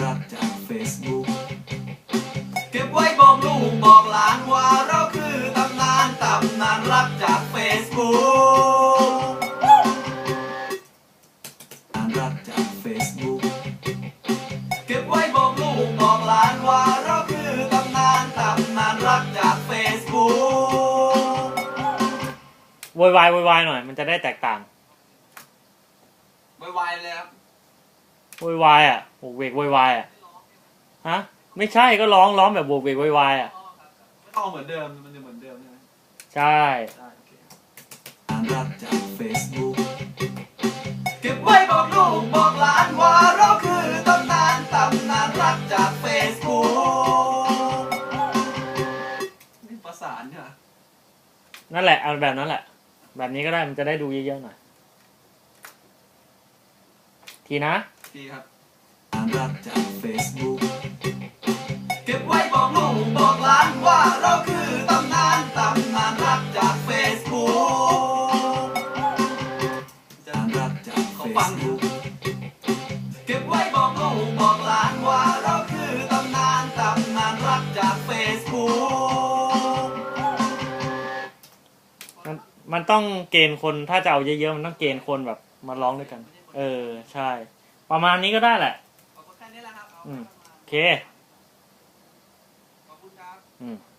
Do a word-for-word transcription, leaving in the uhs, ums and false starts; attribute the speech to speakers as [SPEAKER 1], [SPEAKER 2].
[SPEAKER 1] รักจากเฟซบุ๊กเก็บไว้บอกลูกบอกหลานว่าเราคือตำนานตำนานรักจากเฟซบุ๊กรักจากเฟซบุ๊กเก็บไว้บอกลูกบอกหลานว่าเราคือตำนานตำนานรักจากเฟซบุ๊ก
[SPEAKER 2] โวยวายโวยวายหน่อยมันจะได้แตกต่าง
[SPEAKER 1] โวยวายเลยครับ
[SPEAKER 2] โวยวายอ่ะโวกเวกโวยวายอ่ะฮะไม่ใช่ก็ร้องร้องแบบโวกเวกโวยวายอ่ะ
[SPEAKER 1] ไม่ต้องเหมือนเดิมมันจะเหมือนเดิมใช่ไหม
[SPEAKER 2] ใช่
[SPEAKER 1] รักจากเฟซบุ๊กเก็บไว้บอกลูกบอกหลานว่าเราคือตำนานตำนานรักจากเฟซบุ๊กนี่ประสานใช่ไหม
[SPEAKER 2] นั่นแหละเอาแบบนั้นแหละแบบนี้ก็ได้มันจะได้ดูเยอะๆหน่อยทีนะ
[SPEAKER 1] ทีครับรักจากเฟซบุ๊กเก็บไว้บอกลูกบอกหลานว่าเราคือตำนานตำนานรักจากเฟซบุ๊กจะรักจากเฟซบุ๊กเก็บไว้บอกลูกบอกหลานว่าเราคือตำนานตำนานรักจากเฟซบุ๊ก
[SPEAKER 2] มันมันต้องเกณฑ์คนถ้าจะเอาเยอะๆมันต้องเกณฑ์คนแบบมาร้องด้วยกันเออใช่ประมาณนี้ก็ได้แหละ
[SPEAKER 1] ขอบคุณแค่นี้แหละครับ
[SPEAKER 2] อืมโอเค
[SPEAKER 1] ขอบคุณครับ
[SPEAKER 2] อืม